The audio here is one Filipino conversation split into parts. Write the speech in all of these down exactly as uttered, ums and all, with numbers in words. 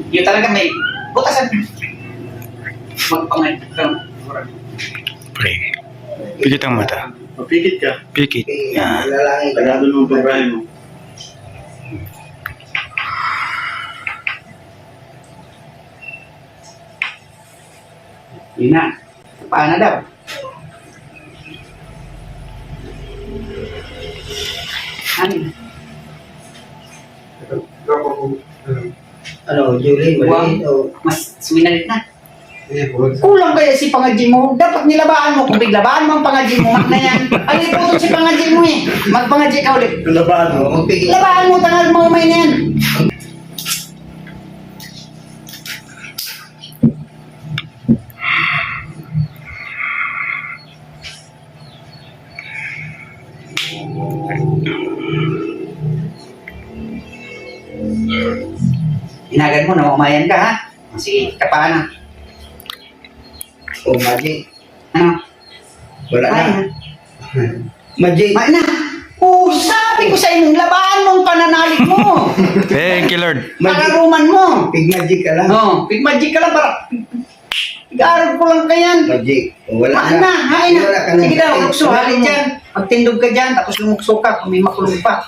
Yun talaga may butasan. Magpangay. Pray. Pikit ang mata. Mapikit ka. Pikit. Yan. Lalangin ka. Tagado mo ang pagbahay mo. Yun na. Paano daw? Ano? Ano, Julie, mali? O, Mas suminalit na. Kulang kaya si pangadji mo. Dapat nilabaan mo. Kung biglabaan mo ang pangadji mo, mak na yan. Ang iputol si pangadji mo eh. Magpangadji ka ulit. Labaan mo. ano, magpigil. Labaan mo, tangal mo umay na yan. Hinagan mo na umayan ka ha. Sige, kapaan na. O, Magic. Ano? Wala na. Ay, Magic. Ma na. Oh, sabi ko sa inyo, labaan mo ang pananalig mo. Thank you, Lord. Pararuman mo. Pig Magic ka lang. Oh, big magic ka lang para. Igarap ko lang kayan. Magic. O, wala Ma na. na, hain na. Wala ka na. Sige daw, Eh, lukso, wala halin mo. dyan. Pagtindog ka dyan, tapos lumukso ka, kung may makulong pa.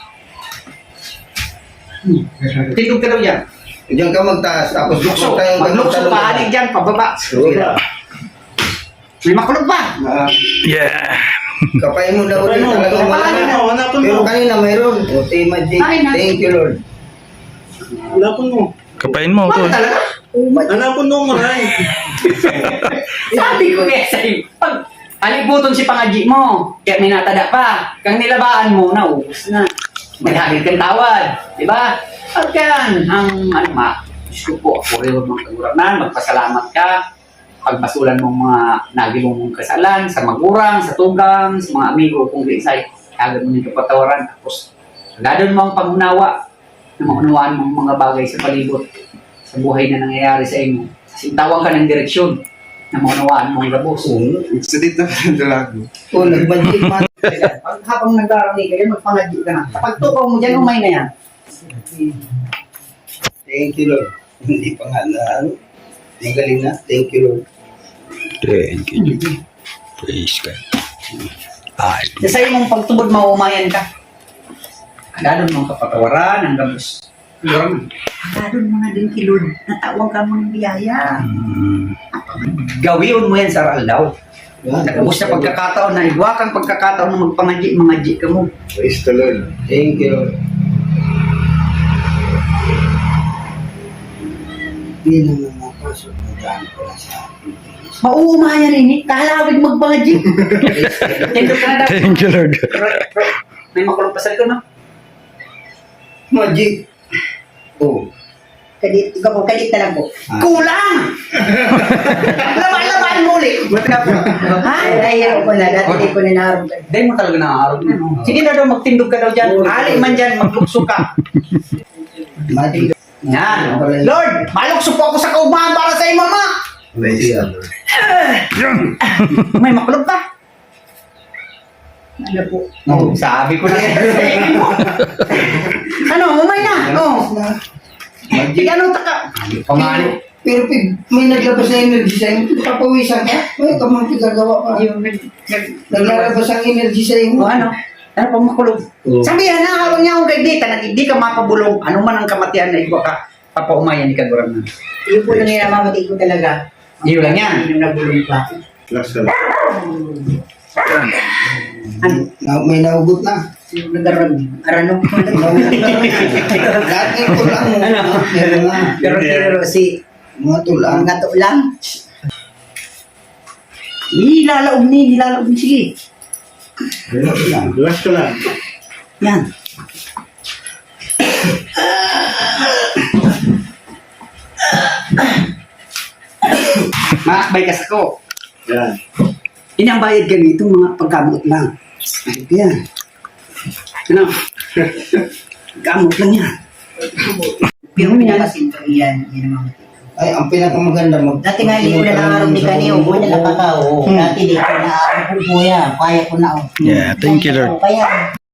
Hmm. Tindog ka daw dyan. Diyan ka magtaas, tapos Lukso, lukso tayo. maglukso pa, halin dyan, pababa. Sige na. May makulong pa. Ah, Yeah. Kapay mo daw ulit Ano? talaga. Wala Kapay na. mo, hanapin Pero mo. kanina mayroon. O, Tay Magic. Ay, na. Thank you, Lord. Hanapin mo. Kapain mo, Bakit Tol. talaga? Oh, Magic. Hanapin mo maray. Sabi ko kaya sa'yo, pag alibuton si pangadji mo, kaya may natada pa, kang nilabaan mo, naubos na. Maghagit kang tawad, di ba? Pagkan, ang ano ma, Diyos ko po, ako rin mga kaguranan, magpasalamat ka, pagbasulan mong mga nagilong mong kasalan, sa magurang, sa tugang, sa mga amigo, kung di isay, kagad mo nito patawaran, tapos agad mo ang pangunawa, na maunawaan mong mga bagay sa palibot, sa buhay na nangyayari sa inyo. Sintawang ka ng direksyon na maunawaan mong labos. Sedit na dalago. O, nag-Magic man. Pag habang nagdarami kayo, magpangadyo ka na. Kapag tukaw mo dyan, umay na yan. Thank you, Lord. Hindi pa nga na, ano. Magaling na. Thank you, Lord. Thank you. Praise God. Ay. Sa iyo mong pagtubod, maumayan ka. Agadon mong kapatawaran, ang gabos. Agadon mo na din kay Lord. Natawang ka mo ng biyaya. Mm. Gawin mo yan sa aral daw. Yan. Nagabos na pagkakataon na igwa kang pagkakataon na magpangadyi, mangadyi ka mo. Praise the Lord. Thank you, Lord. Hindi naman napasok na daan ko na sa akin. Mauumayan rin eh. Kahalawig magpangadyi. Tindog ka na daw. Thank you, Lord. May makulong pasal ko, no? Magic. Oh. Kadit, ikaw po, kadit na lang po. Ah. Kulang! Laban-laban mo ulit. Ba't ka po? Ha? Ay, ayaw ko na. Dati di ko ninaharap. Dahil mo talaga nakaharap na. No? Sige na daw, magtindog ka daw dyan. Ali man dyan, maglukso ka. Magic. Yan. Lord, malukso po ako sa kaubahan para sa iyo, mama. Praise the Lord. May makulog pa. Ano po? Oh, sabi ko na yan sa inyo. Ano, umay na. Oh. Magic. Ano taka? Pangalo. Pero pig, may naglabas na energy sa inyo. Papawisan ka. May kamang pinagawa pa. Yung nag... nag- Naglalabas ang energy sa O inyo. ano? Ano pa makulog? Oo. Sabihan na, habang niya akong gagdita na hindi ka mapabulong. Ano man ang kamatian na iba ka, papaumayan ni Kagurang na. Yung po lang yung namamatay ko talaga. Iyo lang yan. Yung nabulong pa. Last ka lang. Ano? Na, may nahugot na. Yung nagaran. Arano ko lang. Lahat ng tulang mo. Ano? Meron na. Pero pero si Mga tulang. mga to lang. Ilalaog ni, ilalaog ni. Sige. Last ka lang. Yan. Makakbay ka sa ko. Yan. Inambayad ganito mga pagkamot lang. Yan. Ano? Gamot lang yan. Pero pinakasinto yan. Yan ang mamatay. Ay, ang pinakamaganda mag... Dati nga hindi ko na nangarap ni Kaniyo. Buwan na nakakao. Dati di ko na ako po yan. Kaya ko na. oh. Yeah, thank you, Lord. Kaya